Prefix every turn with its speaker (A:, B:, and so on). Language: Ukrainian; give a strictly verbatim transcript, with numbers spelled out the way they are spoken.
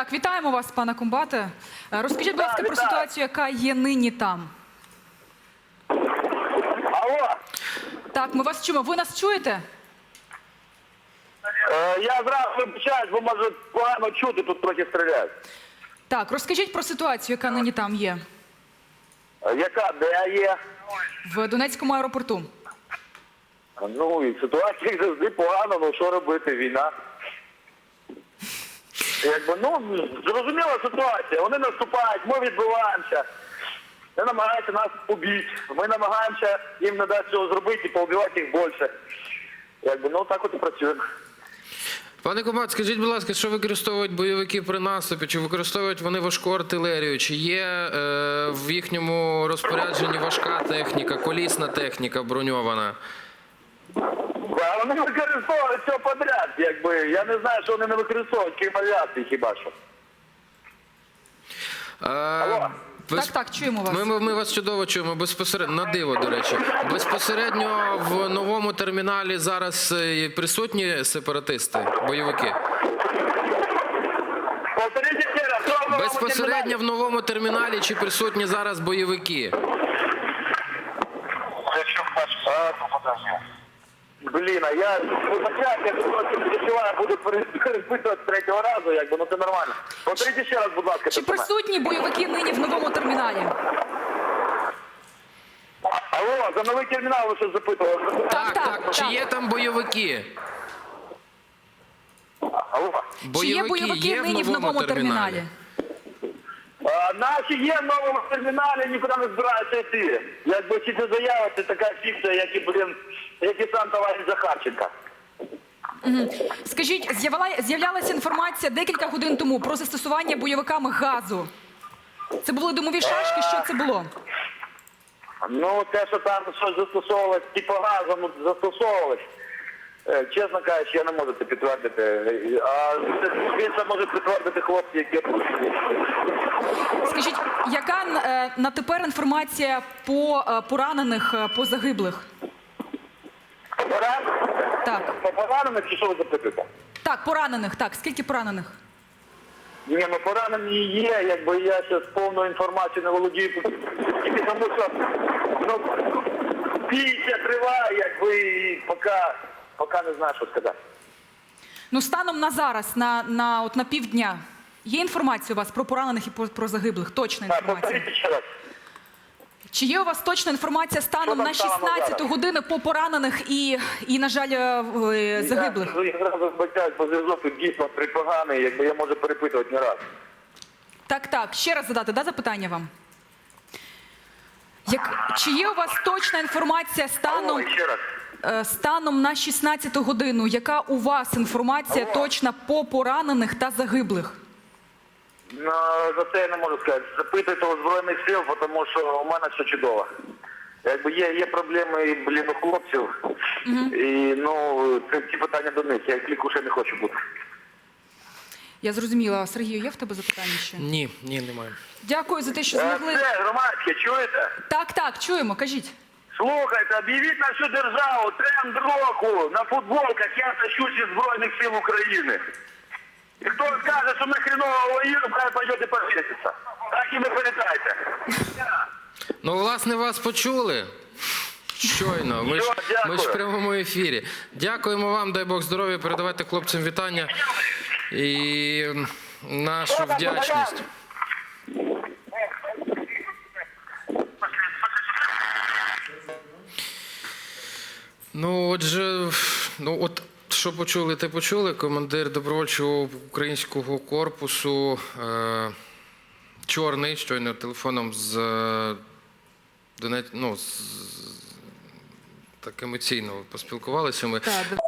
A: Так, вітаємо вас, пане комбате. Розкажіть, будь ласка,
B: Да,
A: про
B: вітаю.
A: ситуацію, яка є нині там.
B: Алло,
A: Так, ми вас чуємо. Ви нас чуєте?
B: е, я зразу вибачаюсь, бо може погано чути, тут трохи стріляють.
A: Так, розкажіть про ситуацію, яка нині там є.
B: Е, Яка, де є?
A: В Донецькому аеропорту.
B: Ну, і ситуація як завжди погано, ну що робити, війна. Якби, ну, зрозуміла ситуація, вони наступають, ми відбиваємося. Вони намагаються нас побити, ми намагаємося їм не дати цього зробити і поубивати їх більше. Якби, ну, так от і працюємо.
C: Пане комбат, скажіть, будь ласка, що використовують бойовики при наступі? Чи використовують вони важку артилерію? Чи є е, в їхньому розпорядженні важка техніка, колісна техніка броньована?
B: А вони використовують все подряд, якби. Я не знаю, що вони не використовують, крім авіації хіба що.
C: Е,
B: Алло.
C: без-
A: Так, так, чуємо вас.
C: Ми, ми, ми вас чудово чуємо, безпосередньо, на диво, до речі. Безпосередньо в новому терміналі зараз е, присутні сепаратисти, бойовики?
B: Повторіть ще раз, що в новому
C: Безпосередньо
B: терміналі?
C: в новому терміналі чи присутні зараз бойовики?
B: Блін, а я вибачаюся, я просто відчуваю, буду перепитувати з третього разу, якби, ну це нормально. Повторіть ще раз, будь ласка,
A: Чи
B: це саме.
A: присутні бойовики нині в новому терміналі?
B: Алло, за новий термінал ви щось запитували?
C: Так,
A: так,
C: так. Чи
A: так.
C: є там бойовики?
B: Алло.
A: Чи є бойовики нині в новому терміналі?
B: А, наші є в новому терміналі, нікуди не збираються йти. Якби ці це заяви, це така фікція, як і, блін, як і сам товариш Захарченка.
A: Скажіть, з'явила- з'являлася інформація декілька годин тому про застосування бойовиками газу. Це були димові шашки? Що це було?
B: Ну, те, що там щось застосовувалось, типу газу, ну, застосовувалось. Е, Чесно кажучи, я не можу це підтвердити. Е, А це більше можуть підтвердити хлопці, які...
A: Скажіть, яка е, на тепер інформація по е, поранених, е, по загиблих?
B: Поран?
A: Так.
B: По поранених чи що ви запитуєте?
A: Так, поранених, так. Скільки поранених?
B: Ні, ну поранені є, якби я ще з повною інформацією не володію, тільки тому що, ну, бійся триває, якби, і поки, поки не знаю, що сказати.
A: Ну, станом на зараз, на, на, от, на півдня, є інформація у вас про поранених і про, про загиблих? Точна
B: Так,
A: інформація?
B: повторіть ще раз.
A: Чи є у вас точна інформація станом
B: Що там
A: на
B: станом на
A: шістнадцяту
B: зараз?
A: годину по поранених і, і на жаль, е, е, загиблих?
B: Я, я зразу вибачаюсь, бо зв'язок тут дійсно припоганий, якби я можу перепитувати не раз.
A: Так, так. Ще раз задати, да, запитання вам? Як, чи є у вас точна інформація станом,
B: Алло, ще раз.
A: е, станом на шістнадцяту годину? Яка у вас інформація
B: Алло.
A: точна по поранених та загиблих?
B: Ну, за це я не можу сказати. Запитуйте у Збройних сил, тому що у мене все чудово. Якби є, є проблеми, блін, у хлопців, і, ну, це ті питання до них. Я кліку ще не хочу бути.
A: Я зрозуміла. Сергію, є в тебе запитання ще?
C: Ні, ні, немає.
A: Дякую за те, що
B: Е,
A: змогли.
B: Це громадське, чуєте?
A: Так, так, чуємо, кажіть.
B: Слухайте, об'явіть на всю державу тренд року на футболках «Я тащусь із Збройних сил України». І хто скаже, що ми хреново воюємо, хай пойдете повіситься. Так і не передайте.
C: Ну, власне, вас почули. Щойно. Ми ж,
B: Все,
C: ми ж в
B: дякую.
C: прямому ефірі. Дякуємо вам, дай Бог здоров'я, передавайте хлопцям вітання і нашу вдячність. Ну, отже, ну от що почули, те почули. Командир добровольчого українського корпусу е, Чорний, щойно телефоном з е, Донець, ну, з, так емоційно поспілкувалися ми.
A: Так,